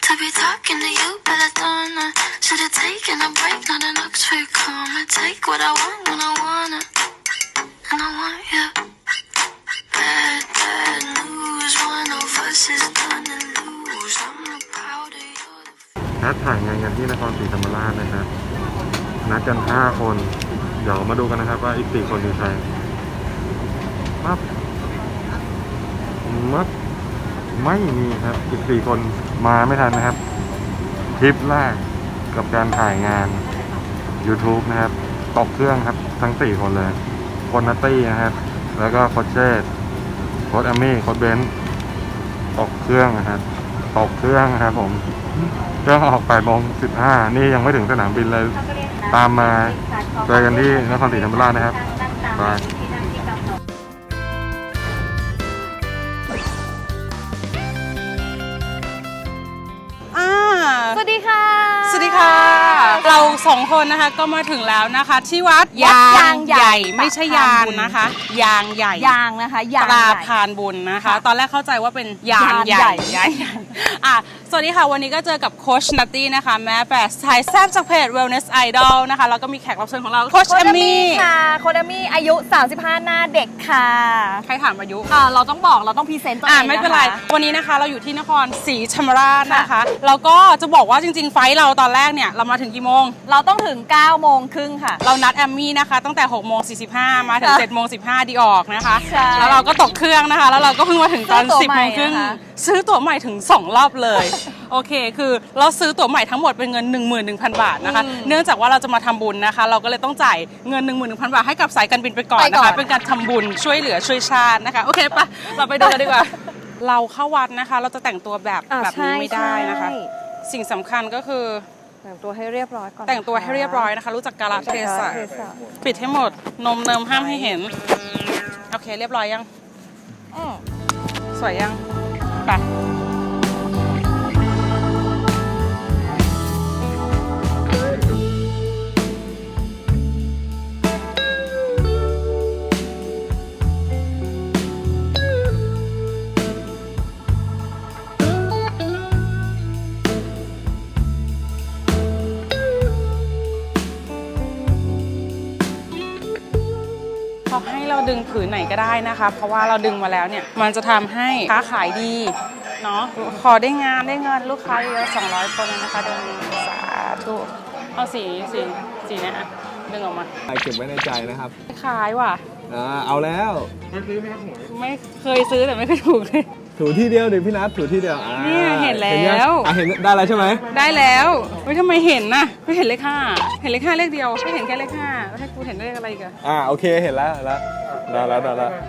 to be talking to you, but I don't know. Should've taken a break, not an Oxford comma. Take what I want when I wanna, and I want you. Bad, bad news. One of us is gonna lose. I'm not proud of you. นัดถ่ายงานกันที่นครศรีธรรมราชนะครับนัดกัน5 คนเดี๋ยวมาดูกันนะครับว่าอีก4 คนคือใครปั๊บไม่มีครับอีก4 คนมาไม่ทันนะครับทริปแรกกับการถ่ายงาน YouTube นะครับตกเครื่องครับทั้ง4 คนเลยคนนัตตี้นะครับแล้วก็โคชเชตโค้ชแอมมี่โค้ชเบนซ์ตกเครื่องนะครับตกเครื่องครับผมเครื่องออก8:15นี่ยังไม่ถึงสนามบินเลยตามมาเจอกันที่นครศรีธรรมราชนะครับไปสวัสดีค่ะสวัสดีค่ะเรา2 คนนะคะก็มาถึงแล้วนะคะที่วัดยางใหญ่ไม่ใช่ยางนะคะยางใหญ่ยางนะคะยางตราพานบุญนะคะตอนแรกเข้าใจว่าเป็นยางใหญ่สวัสดีค่ะวันนี้ก็เจอกับโค้ชนัตตี้นะคะแม่แปะสายแซ่บจากเพจ Wellness Idol นะคะแล้วก็มีแขกรับเชิญของเราโค้ชเอมมี่ค่ะโค้ชเอมมี่อายุ35หน้าเด็กค่ะใครถามอายุเราต้องพรีเซนต์ตัวเองไม่เป็นไรวันนี้นะคะเราอยู่ที่นครศรีธรรมราชนะคะแล้วก็จะบอกว่าจริงๆไฟล์เราตอนแรกเนี่ยเรามาถึงกี่โมงเราต้องถึง9:30ค่ะเรานัดแอมมี่นะคะตั้งแต่6:45มาถึง7:15ดีออกนะคะแล้วเราก็ตกเครื่องนะคะแล้วเราก็เพิ่งมาถึงตอน10:30ซื้อตั๋วใหม่ถึง2 รอบเลยโอเคคือเราซื้อตั๋วใหม่ทั้งหมดเป็นเงิน 11,000 บาทนะคะเนื่องจากว่าเราจะมาทำบุญนะคะเราก็เลยต้องจ่ายเงิน 11,000 บาทให้กับสายการบินไปก่อนนะคะเป็นการทำบุญช่วยเหลือช่วยชาตินะคะโอเคปะเราไปดูกันดีกว่าเราเข้าวัดนะคะเราจะแต่งตัวแบบนี้ไม่ได้นะคะสิ่งสำคัญก็คือแต่งตัวให้เรียบร้อยก่อนแต่งตัวให้เรียบร้อยนะคะรู้จักกาลเทศะปิดให้หมดนมเนิมห้ามให้เห็นโอเคเรียบร้อยยังสวยยังไปให้เราดึงผืนไหนก็ได้นะคะเพราะว่าเราดึงมาแล้วเนี่ยมันจะทำให้ค้าขายดีเนาะขอได้งานได้เงินลูกค้าเยอะ200 คนเลยนะคะเดือนนี้สาธุเอาสีเนี่ยดึงออกมาเก็บไว้ในใจนะครับขายว่ะเอาแล้วไม่ซื้อไหมครับหวยไม่เคยซื้อแต่ไม่เคยถูกเลยถูที่เดียวดิพี่นัทถูที่เดียวเนี่ยเห็นแล้วเห็นได้แล้วใช่ไหมได้แล้วทำไมเห็นน่ะไม่เห็นเลข 5เห็นเลข 5เลขเดียวไม่เห็นแค่เลข 5แล้วให้กูเห็นเลขอะไรอีกอะโอเคเห็นแล้วได้แล้ว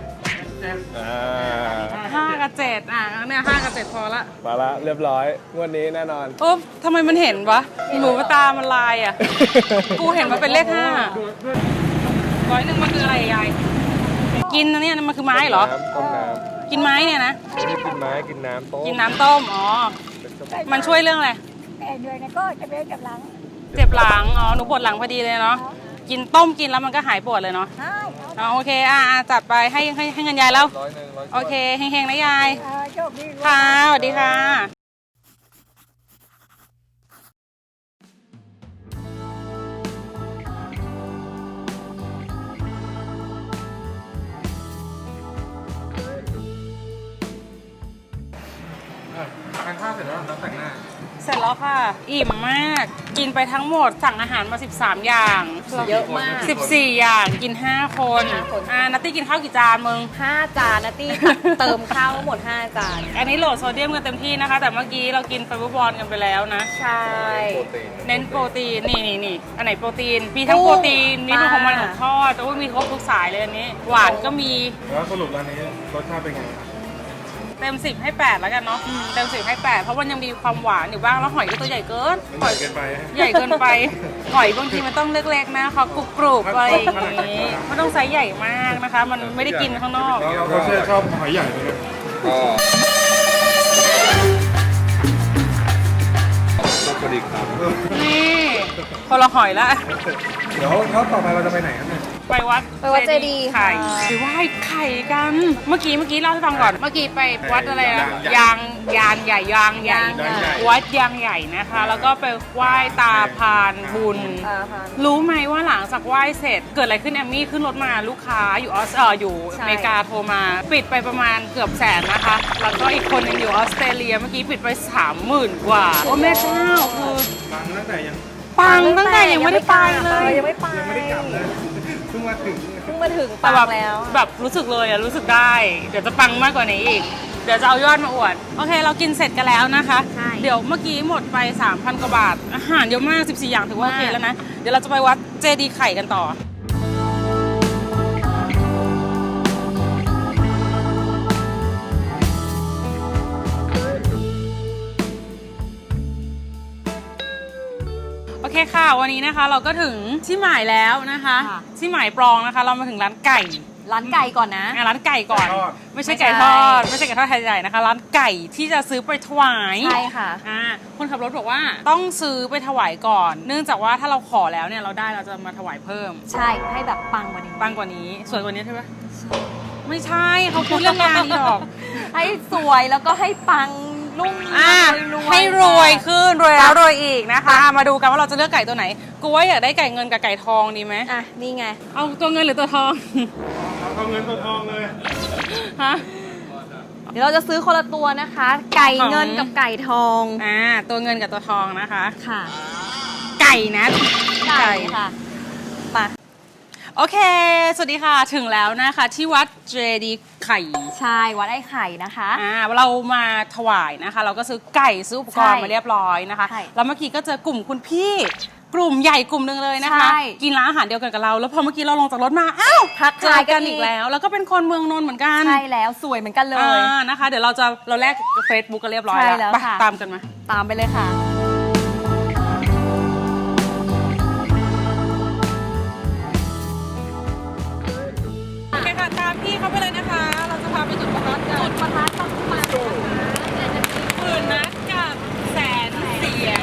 5 กับ 7เนี่ย5 กับ 7พอละมาละเรียบร้อยงวดนี้แน่นอนโอ้ทำไมมันเห็นวะหนูตามันลายอ่ะกูเห็นมันเป็นเลข 500 มันคืออะไรยายกินนะเนี่ยมันคือไม้เหรอต้มน้ำกินไม้เนี่ยนะไม่ได้กินไม้กินน้ำต้มอ๋อมันช่วยเรื่องอะไรแต่เหนื่อยนะก็จะเจ็บหลังอ๋อหนูปวดหลังพอดีเลยเนาะกินต้มกินแล้วมันก็หายปวดเลยเนาะโอเคจัดไปให้เงินยายแล้วโอเคเฮงๆนะยายค่ะสวัสดีค่ะทานข้าวเสร็จแล้วแต่งหน้าเสร็จแล้วค่ะอิ่มมากกินไปทั้งหมดสั่งอาหารมา13 อย่างเยอะมาก 14 อย่างกิน5 คนนัตตี้กินข้าวกี่จานมึง 5 จานนัตตี้เติมข้าวหมด5 จานอันนี้โหลดโซเดียมกันเต็มที่นะคะแต่เมื่อกี้เรากินไฟเบอร์บอลกันไปแล้วนะใช่เน้นโปรตีนนี่อันไหนโปรตีนมีทั้งโปรตีนมีทั้งของมันของทอดแต่ว่ามีครบทุกสายเลยอันนี้หวานก็มีแล้วสรุปร้านนี้รสชาติเป็นไงเต็ม10ให้8แล้วกันเนาะเต็ม10ให้8เพราะมันยังมีความหวานอยู่บ้างแล้วหอยก็ตัวใหญ่เกินใหญ่เกินไปหอยบางทีมันต้องเล็กๆนะเขากรุบๆอะไรอย่างนี้ไม่ต้องไซส์ใหญ่มากนะคะมันไม่ได้กินข้างนอกเราชอบหอยใหญ่ไหมก็พอดีครับนี่คนละหอยละเดี๋ยวต่อไปเราจะไปไหนกันเนี่ยไปวัดไปวัดเจดีย์ไข่ค่ะไปไหว้ไข่กัน เมื่อกี้เล่าให้ฟังก่อน เมื่อกี้ไปวัดอะไรนะยางใหญ่วัดยางใหญ่นะคะ แล้วก็ไปไหว้ตาพานบุญ รู้ไหมว่าหลังจากไหว้เสร็จเกิดอะไรขึ้นแอมมี่ขึ้นรถมาลูกค้าอยู่อยู่อเมริกาโทรมา ปิดไปประมาณเกือบแสนนะคะ แล้วก็อีกคนหนึงอยู่ออสเตรเลียเมื่อกี้ปิดไป 30,000 กว่า โอ้แม่เจ้าคือปังตั้งแต่ยังไม่ได้ไปเลยยังไม่ไปเพิ่งมาถึงเพิ่งมาถึงแต่ปัแบบงแล้วแบบรู้สึกเลยอะรู้สึกได้ เดี๋ยวจะปังมากกว่านี้อีก เดี๋ยวจะเอายอดมาอวด โอเค เรากินเสร็จกันแล้วนะคะใช่เดี๋ยวเมื่อกี้หมดไป 3,000 กว่าบาท อาหารเยอะมาก 14 อย่างถือว่าโอเคแล้วนะ เดี๋ยวเราจะไปวัดเจดีย์ไข่กันต่อ โอเคค่ะ วันนี้นะคะเราก็ถึงที่หมายแล้วนะคะ ที่หมายปรองนะคะ เรามาถึงร้านไก่ร้านไก่ก่อนนะร้านไก่ก่อน ไม่ใช่ไก่ทอด ไม่ใช่ไก่ทอดไทยใหญ่นะคะ ร้านไก่ที่จะซื้อไปถวายใช่ค่ะคนขับรถบอกว่าต้องซื้อไปถวายก่อน เนื่องจากว่าถ้าเราขอแล้วเนี่ยเราได้เราจะมาถวายเพิ่มใช่ ให้แบบปังกว่านี้ปังกว่านี้สวยกว่านี้ใช่ไหมไม่ใช่เขาพูดเรื่องงานนี่หรอกให้สวยแล้วก็ให้ปังรุ่งให้รวยขึ้นรวยแล้วรวยอีกนะคะ มาดูกันว่าเราจะเลือกไก่ตัวไหน กูว่าอยากได้ไก่เงินกับไก่ทองดีไหมอ่ะ นี่ไงเอาตัวเงินหรือตัวทองเอาเงินตัวทองเลยฮะเดี๋ยวเราจะซื้อคนละตัวนะคะ ไก่เงินกับไก่ทองตัวเงินกับตัวทองนะคะค่ะไก่นะไก่ค่ะไปโอเค สวัสดีค่ะ ถึงแล้วนะคะ ที่วัดเจดีย์ไข่ใช่ วัดไอ้ไข่นะคะเรามาถวายนะคะ เราก็ซื้อไก่ซื้ออุปกรณ์ใช่มาเรียบร้อยนะคะใช่แล้วเมื่อกี้ก็เจอกลุ่มคุณพี่ กลุ่มใหญ่กลุ่มหนึ่งเลยนะคะใช่กินร้านอาหารเดียวกันกับเรา แล้วพอเมื่อกี้เราลงจากรถมา อ้าวทักเจอทายกักันนอีอีกกแล้ว แล้วก็เป็นคนเมืองนนท์เหมือนกันใช่แล้วสวยเหมือนกันเลยนะคะ เดี๋ยวเราแลกเฟซบุ๊กกันเรียบร้อยใช่แล้วแล้วไปค่ะตามกันมาตามไปเลยค่ะโอเคค่ะ ตามพี่เขาไปเลยนะคะ เราจะพาไปจุดประทัดกันจุดประทัดต้องมาหมื่นนัดกับแสนเสียง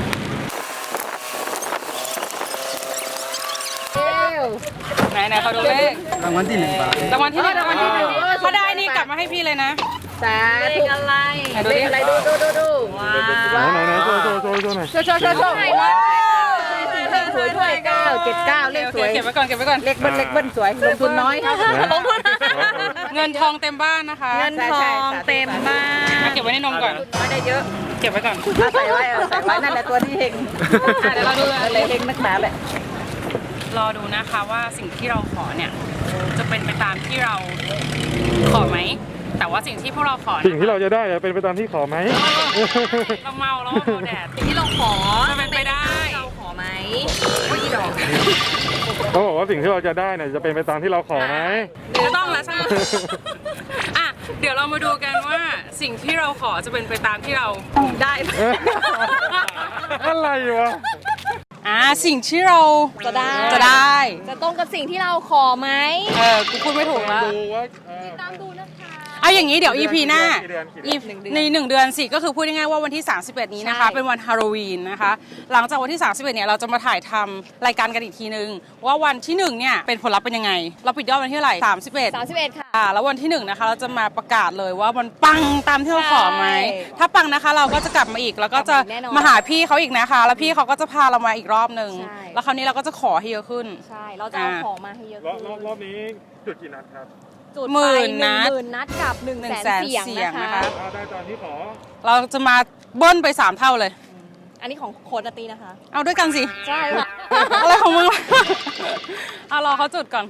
ไหนเขาดูเลขรางวัลที่ 1 บาทรางวัลที่หนึ่งเขาได้นี่กลับมาให้พี่เลยนะเลขอะไรไหนดูดิว้าไหนโชว์หน่อยโชว์ไหนวะสวยด้วย979เลขสวยเก็บไว้ก่อนเล็กเบิ้ลสวยลงทุนน้อยลงทุนเงินทองเต็มบ้านนะคะเงินทองเต็มบ้านเก็บไว้ในนมก่อนไม่ได้เยอะเก็บไว้ก่อนใส่ไว้นั่นแหละตัวที่เฮงเดี๋ยวเราดูอะไรเฮงนักหนาแหละรอดูนะคะว่าสิ่งที่เราขอเนี่ยจะเป็นไปตามที่เราขอไหม แต่ว่าสิ่งที่พวกเราขอสิ่งที่เราจะได้เป็นไปตามที่ขอไหมเราเมาแล้วเราแดดสิ่งที่เราขอจะเป็นไปได้เราขอไหมว่าอีดอกเขาบอกว่าสิ่งที่เราจะได้เนี่ยจะเป็นไปตามที่เราขอไหมไม่ต้องแล้วใช่ไหมอ่ะเดี๋ยวเรามาดูกันว่าสิ่งที่เราขอจะเป็นไปตามที่เราได้อะไรวะสิ่งที่เราจะได้ จะตรงกับสิ่งที่เราขอไหมกูพูดไม่ถูกแล้วดูว่าตามดูนะคะเอาอย่างนี้เดี๋ยว EP หน้ากี่เดือนใน1 เดือนสิก็คือพูดง่ายๆว่าวันที่ 31 นี้นะคะใช่เป็นวันฮาโลวีนนะคะ หลังจากวันที่ 31 เนี่ยเราจะมาถ่ายทำรายการกันอีกทีนึง ว่าวันที่ 1 เนี่ยเป็นผลลัพธ์เป็นยังไง เราปิดยอดวันที่เท่าไหร่ 31 ค่ะแล้ววันที่ 1 นะคะ เราจะมาประกาศเลยว่ามันปังตามที่เราขอไหมใช่ถ้าปังนะคะเราก็จะกลับมาอีกแล้วก็จะกลับมาอีกแน่นอนมาหาพี่เขาอีกนะคะ แล้วพี่เขาก็จะพาเรามาอีกรอบนึงใช่แล้วคราวนี้เราก็จะขอให้เยอะขึ้นใช่ เราจะเอาของมาให้เยอะรอบนี้จุดกี่นัดครับจุดหมื่ไปนนัด 10,000 นัดกับ100,000 เสียงนะคะได้ตอนที่ขอเราจะมาเบิ้ลไป3 เท่าเลยอันนี้ของโค้ดตีนะคะเอาด้วยกันสิใช่ค่ะอะไรของมึงวะเอารอเขาจุดก่อน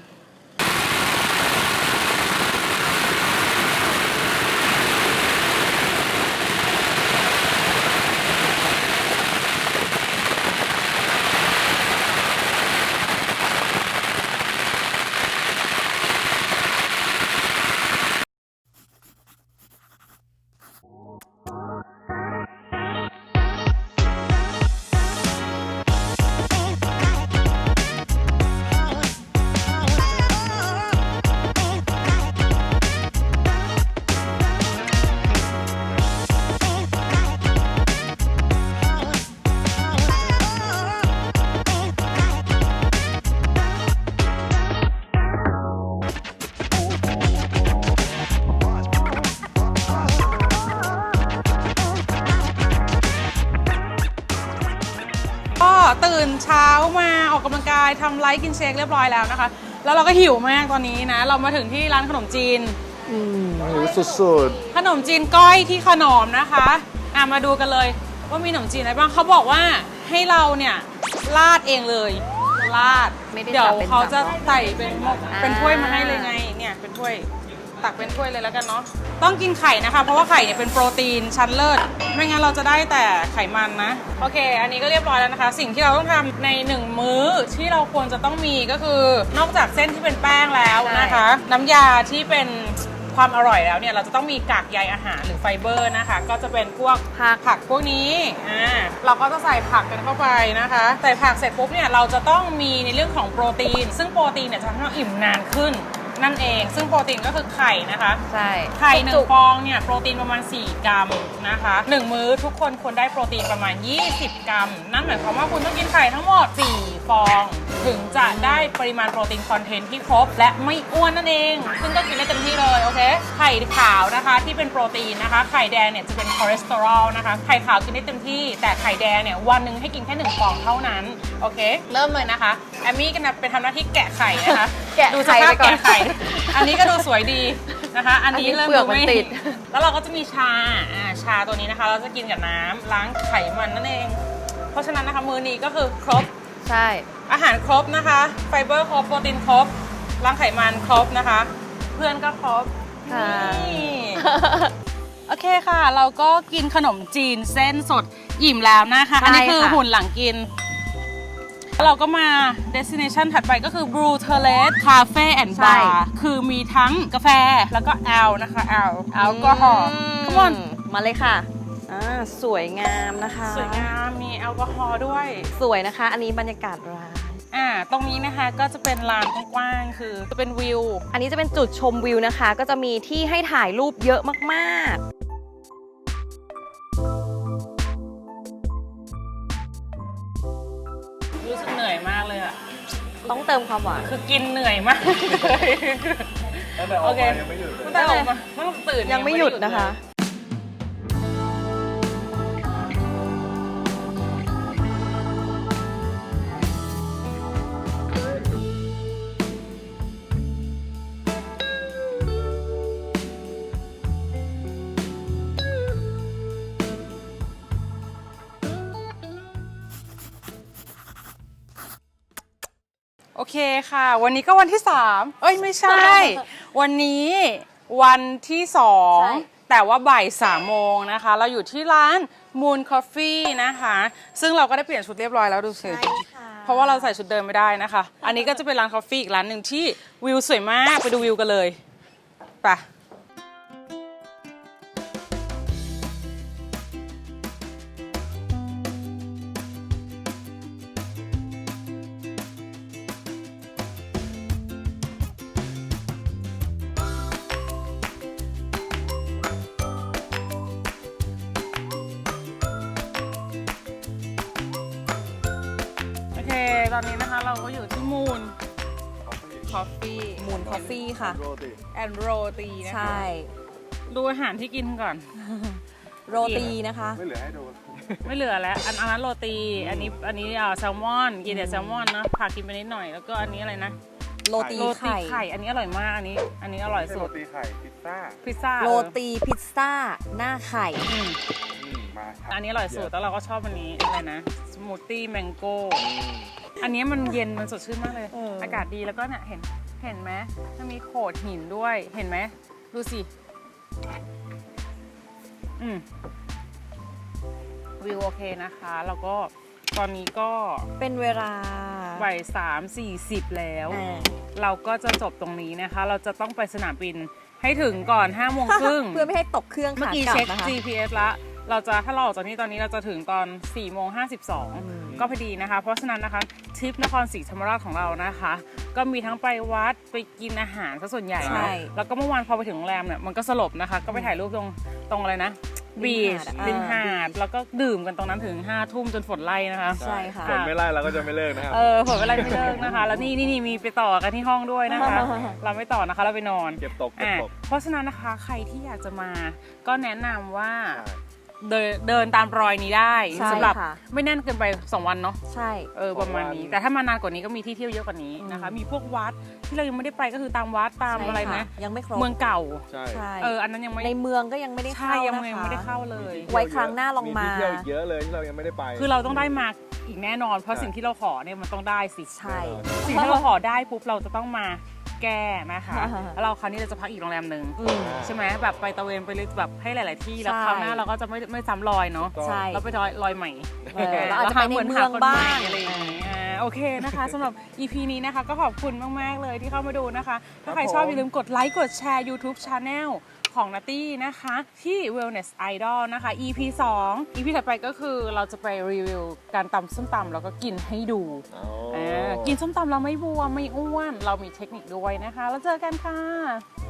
ตื่นเช้ามาออกกำลังกายทำไลฟ์กินเชคเรียบร้อยแล้วนะคะ แล้วเราก็หิวมากตอนนี้นะ เรามาถึงที่ร้านขนมจีนหิวสุดขนมจีนก้อยที่ขนอมนะคะมาดูกันเลยว่ามีขนมจีนอะไรบ้างเขาบอกว่าให้เราเนี่ยราดเองเลยราดไม่ได้เดี๋ยวจับเป็นเขาจะจับใส่เป็นถ้วยมาให้เลยไงเนี่ยเป็นถ้วยตักเป็นถ้วยเลยแล้วกันเนาะต้องกินไข่นะคะเพราะว่าไข่เนี่ยเป็นโปรตีนชั้นเลิศไม่งั้นเราจะได้แต่ไขมันนะโอเค อันนี้ก็เรียบร้อยแล้วนะคะ สิ่งที่เราต้องทำใน1มื้อที่เราควรจะต้องมีก็คือนอกจากเส้นที่เป็นแป้งแล้วนะคะ น้ำยาที่เป็นความอร่อยแล้วเนี่ยเราจะต้องมีกากใยอาหารหรือไฟเบอร์นะคะก็จะเป็นพวกผักพวกนี้เราก็จะใส่ผักกันเข้าไปนะคะใส่ผักเสร็จปุ๊บเนี่ยเราจะต้องมีในเรื่องของโปรตีนซึ่งโปรตีนเนี่ยจะทำให้เราอิ่มนานขึ้นนั่นเองซึ่งโปรตีนก็คือไข่นะคะใช่ไข่1ฟองเนี่ยโปรตีนประมาณ4กรัมนะคะ1มื้อทุกคนควรได้โปรตีนประมาณ20กรัมนั่นหมายความว่าคุณต้องกินไข่ทั้งหมด4ฟองถึงจะได้ปริมาณโปรตีนคอนเทนต์ที่ครบและไม่อ้วนนั่นเองซึ่งก็กินได้เต็มที่เลยโอเคไข่ขาวนะคะที่เป็นโปรตีนนะคะไข่แดงเนี่ยจะเป็นคอเลสเตอรอลนะคะไข่ขาวกินได้เต็มที่แต่ไข่แดงเนี่ยวันหนึ่งให้กินแค่1ฟองเท่านั้นโอเคเริ่มเลยนะคะแอมมี่ก็เป็นทำหน้าที่แกะไข่นะคะดูสภาพแกะไข่อันนี้ก็ดูสวยดีนะคะอันนี้เริ่มดูไม่ติดแล้วเราก็จะมีชาตัวนี้นะคะเราจะกินกับน้ำล้างไขมันนั่นเองเพราะฉะนั้นนะคะมื้อนี้ก็คือครบใช่อาหารครบนะคะไฟเบอร์ครบโปรตีนครบล้างไขมันครบนะคะเพื่อนก็ครบนี่โอเคค่ะเราก็กินขนมจีนเส้นสดอิ่มแล้วนะคะอันนี้คือหุ่นหลังกินเราก็มา destination ถัดไปก็คือ Blue Terrace Cafe and Bar คือมีทั้งกาแฟแล้วก็แอลนะคะแอลกอฮอล์ทุกคนมาเลยค่ะสวยงามนะคะสวยงามมีแอลกอฮอล์ด้วยสวยนะคะอันนี้บรรยากาศร้านตรงนี้นะคะก็จะเป็นลานกว้างๆคือจะเป็นวิวอันนี้จะเป็นจุดชมวิวนะคะก็จะมีที่ให้ถ่ายรูปเยอะมากๆรู้สึกเหนื่อยมากเลยอะต้องเติมความหวานคือกินเหนื่อยมากเลยโอเคตั้งแต่ออกมาไม่ต้องตื่นยังไม่หยุดนะคะโอเคค่ะวันนี้ก็วันที่3ไม่ใช่ วันนี้วันที่2แต่ว่าบ่าย3 โมงนะคะเราอยู่ที่ร้าน Moon Coffee นะคะซึ่งเราก็ได้เปลี่ยนชุดเรียบร้อยแล้วดูสิเพราะว่าเราใส่ชุดเดิมไม่ได้นะคะอันนี้ก็จะเป็นร้านกาแฟอีกร้านหนึ่งที่วิวสวยมากไปดูวิวกันเลยไปตอนนี้นะคะเราก็อยู่ที่มูนคอฟฟี่ค่ะแอนโรตีนะคะใช่ดูอาหารที่กินก่อนโรตีนะคะไม่เหลือให้ดูไม่เหลือแล้วอันนั้นโรตีอันนี้แซลมอนกินแต่แซลมอนนะผักกินไปนิดหน่อยแล้วก็อันนี้อะไรนะโรตีไข่อันนี้อร่อยมากอันนี้อร่อยสุดโรตีไข่พิซซ่าโรตีพิซซ่าหน้าไข่อันนี้อร่อยสุดแล้วเราก็ชอบอันนี้อะไรนะสมูทตี้แมงโก้อันนี้มันเย็นมันสดชื่นมากเลยอากาศดีแล้วก็เนี่ยเห็นไหมมันมีโขดหินด้วยเห็นไหมดูสิวิวโอเคนะคะแล้วก็ตอนนี้ก็เป็นเวลาบ่าย3:40แล้วเราก็จะจบตรงนี้นะคะเราจะต้องไปสนามบินให้ถึงก่อน5 โมงครึ่งเพื่อไม่ให้ตกเครื่องเมื่อกี้เช็ค GPS ละถ้าเราออกจากนี้ตอนนี้เราจะถึงตอน4:52ก็พอดีนะคะเพราะฉะนั้นนะคะทริปนครศรีธรรมราชของเรานะคะก็มีทั้งไปวัดไปกินอาหารซะส่วนใหญ่นะแล้วก็เมื่อวานพอไปถึงโรงแรมเนี่ยมันก็สลบนะคะก็ไปถ่ายรูปตรงอะไรนะบีชริมหาดแล้วก็ดื่มกันตรงนั้นถึง5 ทุ่มจนฝนไล่นะคะใช่ค่ะฝนไม่ไล่เราก็จะไม่เลิกนะครับฝนไม่ไล่ไม่เลิกนะคะแล้วนี่มีไปต่อกันที่ห้องด้วยนะคะเราไม่ต่อนะคะเราไปนอนเก็บตกเพราะฉะนั้นนะคะใครที่อยากจะมาก็แนะนำว่าเดินตามรอยนี้ได้ใช่สำหรับค่ะไม่แน่นเกินไป2 วันเนาะใช่ประมาณนี้ แต่ถ้ามานานกว่านี้ก็มีที่เที่ยวเยอะกว่านี้นะคะ มีพวกวัดที่เรายังไม่ได้ไปก็คือตามวัดตามใช่อะไรค่นะยังไม่ครบเมืองเก่าใช่ใช่อันนั้นยังไม่ในเมืองก็ยังไม่ได้ใช่เข้ายังนะคะไม่ได้เข้าเลยไว้ครั้งหน้าลองมาที่เที่ยวอีกเยอะเลยที่เรายังไม่ได้ไปคือเราต้องได้มาอีกแน่นอน เพราะสิ่งที่เราขอเนี่ยมันต้องได้สิใช่สิ่งที่เราขอได้ปุ๊บเราจะต้องมาแก้นะคะอ่าฮะแล้วเราคราวนี้เราจะพักอีกโรงแรมหนึ่งอืมใช่ไหมแบบไปตะเวนไปเลยแบบให้หลาย ๆ ที่แล้วใช่คราวหน้าเราก็จะไม่ซ้ำรอยเนาะใช่เราไปรอยใหม่เราอาจจะไปในเมืองบ้างอะไรอย่างเงี้ยโอเคนะคะสำหรับ EP นี้นะคะก็ขอบคุณมาก ๆ เลยที่เข้ามาดูนะคะ ถ้าใครชอบอย่าลืมกดไลค์กดแชร์ YouTube Channel ของนัตตี้นะคะที่ Wellness Idol นะคะ EP 2 EP ถัดไปก็คือเราจะไปรีวิวการตำส้มตำแล้วก็กินให้ดูอ๋อกินส้มตำเราไม่บวมไม่อ้วน เรามีเทคนิคด้วยนะคะ แล้วเจอกันค่ะค